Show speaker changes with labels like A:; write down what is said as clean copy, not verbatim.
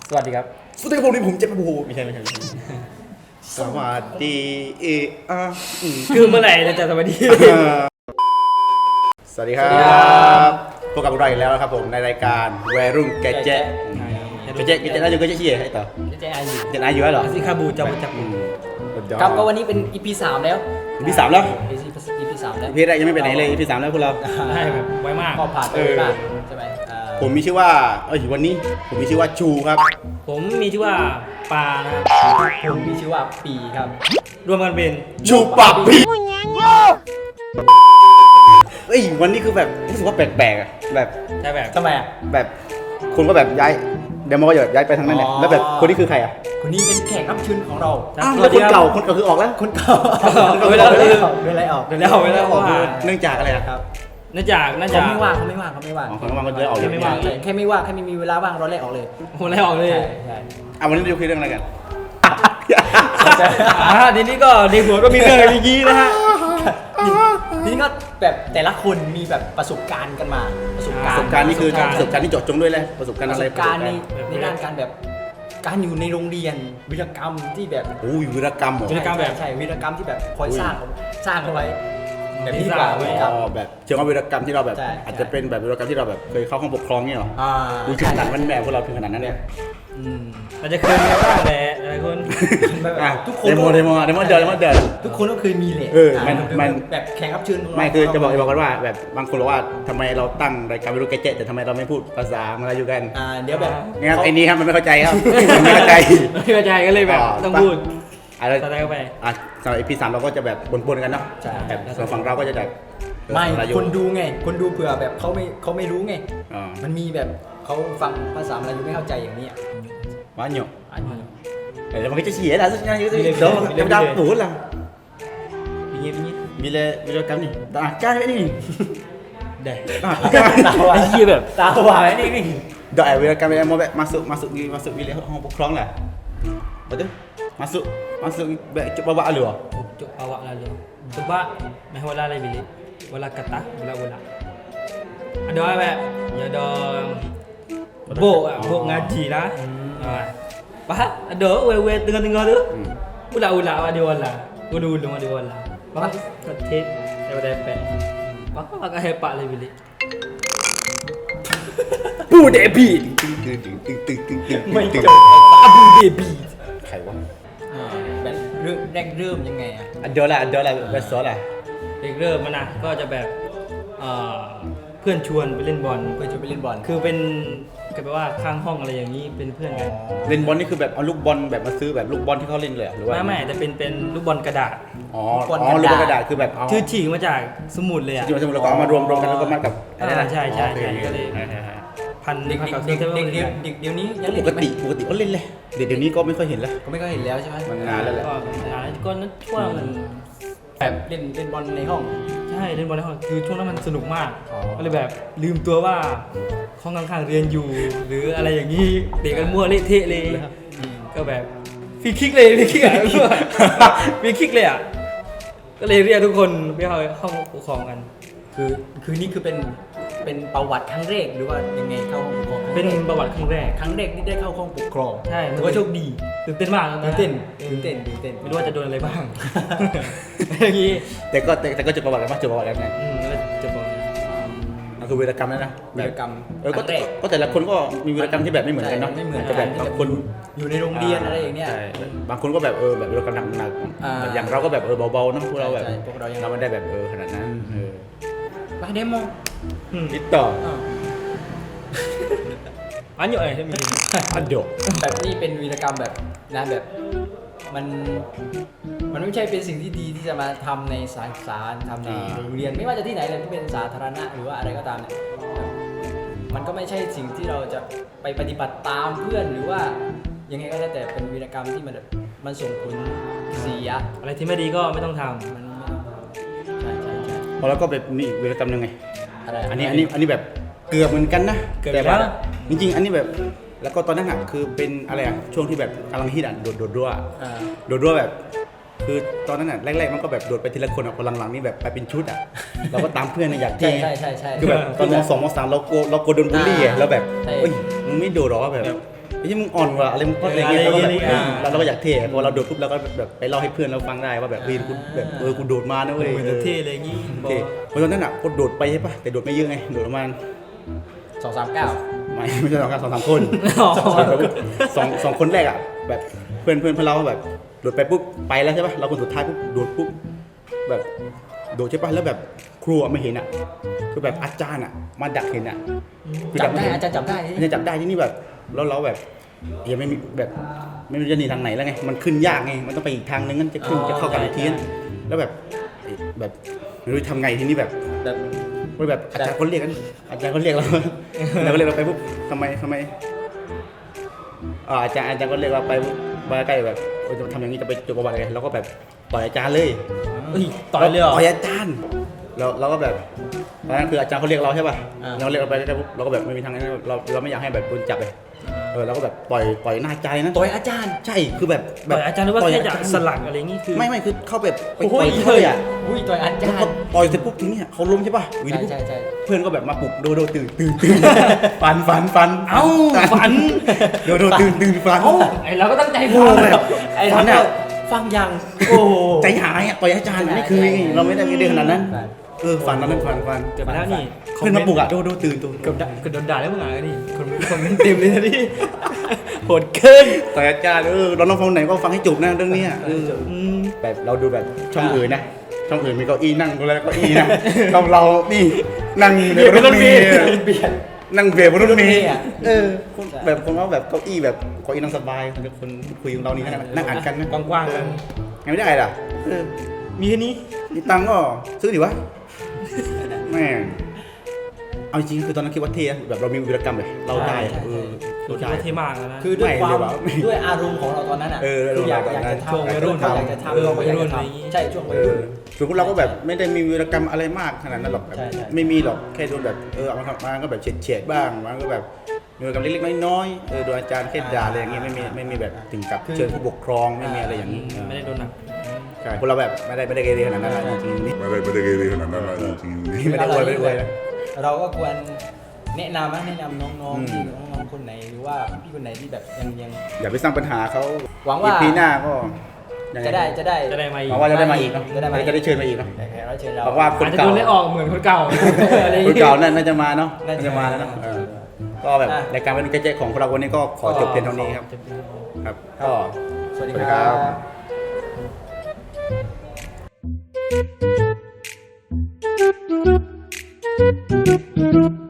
A: สวัสดีครับ
B: สวัสดีครับผมเจ็บปะบูไม่ใช่สวัสดี
A: คือเมื่อไหร่จะสวัสดี
B: สวัสดีครับพบกับเราอีกแล้วนะครับผมในรายการวัยรุ่นแกเจ๊น่าจะก็จะเชียร์ให้ต่อ
A: เจ๊อายุ
B: เจ๊อายุเหรอ
A: สิคาบูจับครับก็วันนี้เป็น EP 3แล้ว
B: EP 3แล้ว
A: EP 3แล้ว
B: EP แรกยังไม่ไปไหนเลย EP 3แล้วพวกเรา
A: ใช่แบบไวมากก็ผ่านไปมากใช่ไหม
B: ผมมีชื่อว่าวันนี้ผมมีชื่อว่าชูครับ
A: ผมมีชื่อว่าปานะครับผมมีชื่อว่าปีครับรวมกันเป็น
B: ชูปาปีวันนี้คือแบบรู้สึกว่าแปลกๆอ่ะแบบ
A: ใช่แบบทำไมอ่ะ
B: แบบคนก็แบบย้ายเดี๋ยวมันก็ย้ายไปทางนั้นแหละแล้วแบบคนนี้คือใครอ่ะ
A: คนนี้เป็นแขกรับเชิญของเรา
B: แล้วคนเก่าคือออกแล้ว
A: คนเก่าเวลาออก
B: เนื่องจากอะไรครับ
A: เนื่องจากเขาไม่ว่างเขาไม่ว่าง
B: ก็เลยออก
A: แค่ไม่ว่างแค่ไม่มีเวลาว่างเราไล่ออกเลยไล่ออกเลยใช่
B: วันนี้เราจะคุยเรื่องอะไรกัน
A: ทีนี้ก็ในหัวก็มีเรื่องอะไรอย่างนี้นะฮะทีนี้ก็แบบแต่ละคนมีแบบประสบการณ์กันมา
B: ประสบการณ์นี่คือประสบการณ์ที่เจาะจงด้วยเลยประสบการณ์อะไร
A: ประสบการณ์ในด้านการแบบการอยู่ในโรงเรียนวีรกรรมที่แบบ
B: วีรกรรม
A: แบบใช่วีรกรรมที่แบบคอยสร้างเอาไว้แบบนี้กว่า
B: แบบเชิงว่าวีรกรรมที่เราแบบอาจจะเป็นแบบวีรกรรมที่เราแบบเคยเข้าห้องปกครองเนี่ยหรอดูถึงขนาดมันแบบพวกเราถึงขนาดนั้นเนี่ย
A: อาจจะเคยมีบ้างแหละหลายคน
B: ทุกคนเดโมเดิน
A: ทุกคนก็เคยมีแหละ
B: มัน
A: แบบแข่งรับเชิญ
B: ไม่คือจะบอกกันว่าแบบบางคนบอกว่าทำไมเราตั้งรายการวิดีโอแกเจ็ตแต่ทำไมเราไม่พูดภาษามาลายูกัน
A: เดี๋ยวแบบ
B: งั้นไอ้นี้ครับมันไม่เข้าใจครับไม่เข้า
A: ใจก็เลยแบบต้องพูด
B: อะไร
A: ต่อไป
B: สำหรับ EP 3เราก็จะแบบบนๆกันเนาะแบบส่วนฝั่งเราก็จะแบบ
A: ไม่คนดูไงคนดูเผื่อแบบเขาไม่รู้ไงมันมีแบบเขาฟังภาษามาลายูไม่เข้าใจอย่างนี้
B: banyakแล้วมันก็จะเสียlah sebenarnya gitu dia dapur lah
A: bingit
B: bila kami tak akan ni
A: dah tahu iyaแบบtahu ini
B: dah bila kami mau masuk bilik hong pokong lah betul masuk coba bawa lalu
A: coba lalu coba meh wala lai bilik wala kata bola adaแบบya ada bok ngaji lah Pak, ada wewe tengah-tengah tu. Ulah dia wala. Dulu dia wala. Pak, ketik daripada epek. Pak, agak hebat lah bilik.
B: Bu Debi.
A: Abu Debi.
B: ใครวะ
A: แบบแรกเริ่มยังไงอ่ะ
B: เดี๋ยวละแบบสอนล่ะ
A: เริ่มมันนะก็จะแบบเพื่อนชวนไปเล่นบอลคือเป็นก็แปลว่าข้างห้องอะไรอย่างนี้เป็นเพื่อนกัน
B: เล่นบอลนี่คือแบบเอาลูกบอลแบบมาซื้อแบบลูกบอลที่เขาเล่นเลยหรือว่า
A: ไม่แต่เป็นลูกบอลกระดาษ
B: ลูกบอลกระดาษคือแบบ
A: ชื่อฉีกมาจากสมุดเลยอ่ะ
B: แล้วก็เอามารวมกันแล้วก็มากับ
A: อะไรนะใช่ก็เลยพันเด็กเดี๋ยวนี้ยัง
B: ปกติก็เล่นเลยเดี๋ยวนี้ก็ไม่ค่อยเห็นแล้ว
A: ใช่ไหม
B: มันนานแล้วแหละ
A: ก็นั้นช่วงแบบเล่นบอลในห้องใช่เล่นบอลในห้องคือช่วงนั้นมันสนุกมากก็เลยแบบลืมตัวว่าห้องข้างๆเรียนอยู่หรืออะไรอย่างนี้เตะกันมั่วเละเทะเลยก็แบบฟรีคิกเลยอ่ะก็เลยเรียกทุกคนไปเข้าห้องปกครองกันคือนี่คือเป็นประวัติครั้งแรกหรือว่ายังไงเข้าห้องปกครองเป็นประวัติครั้งแรกที่ได้เข้าห้องปกครองใช่ถือว่าโชคดีตื่นเต้นมากตื่นเต้นไม่รู้ว่าจะโดนอะไรบ้างอย่างนี้
B: แต่ก็จะประวัติกันมากจะประวัติกันไง
A: จะประวัติ
B: นั่นคือวีรกรรมแล้วนะ
A: วีรกรรม
B: ก็แต่ละคนก็มีวีรกรรมที่แบบไม่เหมือนกันเนาะ
A: จะแบบบางคนอยู่ในโรงเรียนอะไรอย่างเงี้ย
B: บางคนก็แบบแบบวีรกรรมหนักอย่างเราก็แบบเบาๆเนาะพวกเราแบบเราไม่ได้แบบขนาดนั้น
A: ไปเดโม
B: ติดต่อ
A: อันเยอะเลยใช่ไหม
B: อันเยอะ
A: แบบนี้เป็นวีรกรรมแบบนะแบบมันไม่ใช่เป็นสิ่งที่ดีที่จะมาทำในสาขาทำในโรงเรียนไม่ว่าจะที่ไหนเลยที่เป็นสาธารณะหรือว่าอะไรก็ตามเนี่ยมันก็ไม่ใช่สิ่งที่เราจะไปปฏิบัติตามเพื่อนหรือว่ายังไงก็แล้วแต่เป็นวีรกรรมที่มันส่งผลเสียอะไรที่ไม่ดีก็ไม่ต้องทำใช่
B: พอแล้วก็แบบนี่วีรกรรมยังไงอันนี้แบบเกือบเหมือนกันนะแต่ว่าจริงๆอันนี้แบบแล้วก็ตอนนั้นอ่ะคือเป็นอะไรอ่ะช่วงที่แบบกำลังฮิตอ่ะโดดรั่วแบบคือตอนนั้นอ่ะแรกๆมันก็แบบโดดไปทีละคนอ่ะพอหลังๆนี่แบบไปเป็นชุดอ่ะเราก็ตามเพื่อนอยากเท่
A: ใช่
B: คือแบบตอนม.2 ม.3เรากลัวโดนบูลลี่อ่ะแล้วแบบเฮ้ยมึงไม่โดดหรอแบบไอ้ที่มึงอ่อนกว่าอะไรมึงก็อะไรเงี้ย
C: อะไร
B: เราก็อยากเท่พอเราโดดปุ๊บเราก็แบบไปเล่าให้เพื่อนเราฟังได้ว่าแบบกูแบบกูโดดมานะเว้ย
C: เหมือนจะเท่เลยงี้บอ
B: เท่เพราะตอนนั้นอ่ะก็โดดไปใช่ปะแต่โดดไม่เยอะไงโดดประมาณ
A: 239
B: ไม่ใช่สองคนสองคนแรกอ่ะแบบเพื่อนเราแบบโดดไปปุ๊บไปแล้วใช่ปะเราคนสุดท้ายปุ๊บโดดปุ๊บแบบโดดใช่ปะแล้วแบบครูไม่เห็นอ่ะคือแบบอาจารย์อ่ะมาดักเห็นอ่ะ
A: จับได้อาจารย์จับได้
B: อาจารย์จับได้ที่นี่แบบแล้วเราแบบยังไม่มีแบบไม่รู้จะหนีทางไหนแล้วไงมันขึ้นยากไงมันต้องไปอีกทางนึงงั้นจะขึ้นจะเข้ากับอีกทีนแล้วแบบไม่รู้ทำไงทีนี้แบบ
A: แบบ
B: แบบอาจารย์เขาเรียกกันอาจารย์เขาเรียกเราเราก็เรียกเราไปปุ๊บทำไมอาจารย์ก็เรียกเราไปปุ๊บมาใกล้แบบจะทำอย่างนี้จะไปจบประวัติอะไรเราก็แบบต่อยอาจารย์เลย
C: ต่อยเลยเหรอ
B: ต่อยอาจารย์เราก็แบบตอนนั้นคืออาจารย์เขาเรียกเราใช่ป่ะเราเรียกเราไปใกล้ปุ๊บเราก็แบบไม่มีทางนั้นเราไม่อยากให้แบบโดนจับเลยเราก็แบบต่อยหน้าใจนะ
A: ต่อยอาจารย์
B: ใช่คือแบบ
C: ต่อยอาจารย์หรือว่าแค่จะสลักอะไรงี้คือ
B: ไม่คือเข้าแบบไป
C: โอ้
B: ต่อย
C: ย
B: เลยอ่ะ
A: อุ้ยต่อยอาจาร
B: แล้วก็
A: ย์
B: ต่อยเสร็จปุ๊บทีนี้เขาล้มใช่ป่ะวินปุ๊บ
A: ใช่
B: เพื่อนก็แบบมาปลุกโดตื่นฟัน
C: เอ้าฝัน
B: โดตื่นฟัน
C: ไอเราก็ตั้งใจ
B: โอ้
C: ฟัง
B: แบบ
A: ไอ้
B: ฟั
A: ท่าน น
B: อ่ะ
A: ฟังยัง
C: โอ้โห
B: ใจหายอ่ะต่อยอาจารย์นี่คือเราไม่ได้เรียนขนาดนั้นฟันนั้นฟัน
C: เกิดมาแล้วนี่
B: เพื่อนมาปลุกอ่ะโดตื่น
C: เกือบโดนด่าแล้วมึงอ่ะนี่คนไม่เต็มเลยนะนี่โหดเกิน
B: ต่อยอาจารย์เราต้องฟังไหนก็ฟังให้จบนะเรื่องนี้แบบเราดูแบบช่องอื่นนะช่องอื่นมีเก้าอี้นั่งแล้วเก้าอี้นั่งเรานี่นั่งในรถเมล์
A: เบียด
B: นั่งเบียดบนรถเมล์
A: อ่ะ
B: แบบคนว่าแบบเก้าอี้แบบเก้าอี้นั่งสบายคนคุยของเรานี่นั่งอ่านกันนะ
C: กว้างๆกัน
B: ยังไม่ได้ล่ะ
C: มีแค่นี้
B: มีตังค์ก็ซื้อดิวะแม่เอาจริงคือตอนนั้นคิดว่าเท่แบบเรามีวีรกรรมเลยเราได้
C: คิดว่าเท่มากแล้วนะ
A: คือด้วยความ
B: ไม่เลยว่ะ
A: ด้วยอารมณ์ของเราตอนนั้นอ่ะ
B: อ
A: อยาก
B: อารมณ์
A: จะทำ
C: ช่วงวัยรุ่น
A: อยากจะทำเราก็อยากจะทำใช่ช่วงวัยรุ่น
B: ส่วนพวกเราก็แบบไม่ได้มีวีรกรรมอะไรมากขนาดนั้นหรอกแบบ
A: ใช่
B: ไม่มีหรอกแค่โดนแบบเอามาทำมาก็แบบเฉียดบ้างมันก็แบบมีวีรกรรมเล็กๆน้อยๆโดนอาจารย์แค่ด่าอะไรอย่างเงี้ยไม่มีแบบถึงกับเชิญผู้ปกครองไม่มีอะไรอย่างนี้
C: ไม่ได้โดนหนัก
B: ใช่พวกเราแบบไม่ได้เกเรขนาดนั้นจริงๆนี่
D: ไม่ได้เกเรขนาดนั้นเลยจริงๆ
B: ไม่ได้อวยนะ
A: เราก็ควรแนะนำน้องๆที่น้องๆคนไหนหรือว่าพี่คนไหนที่แบบยัง
B: อย่าไปสร้างปัญหาเขา
A: หวังว่า
B: ปีหน้าก็ยังไง
A: จะได้
C: มาอีก
B: หวังว่าจะได้มาอีกเนาะ
A: จะได้มาอีก
B: จะได้เชิญมาอีกเนาะ
A: แขกรับเชิญเรา
B: บอกว่า
C: อาจจะโดนไล่ออกเหมือนคนเก่าอะไรอย่าง
B: คน
C: งี้
B: เก่าน่าจะมาเนาะ
A: น่าจะ
B: น่าจะมาแล้วเนาะก็แบบรายการเป็นเจ๊ของพวกเราวันนี้ก็ขอจบเพียงเท่านี้ครับครับก็
A: สวัสดี
B: สวัสดี
A: ค
B: ครั
A: รับ
B: บ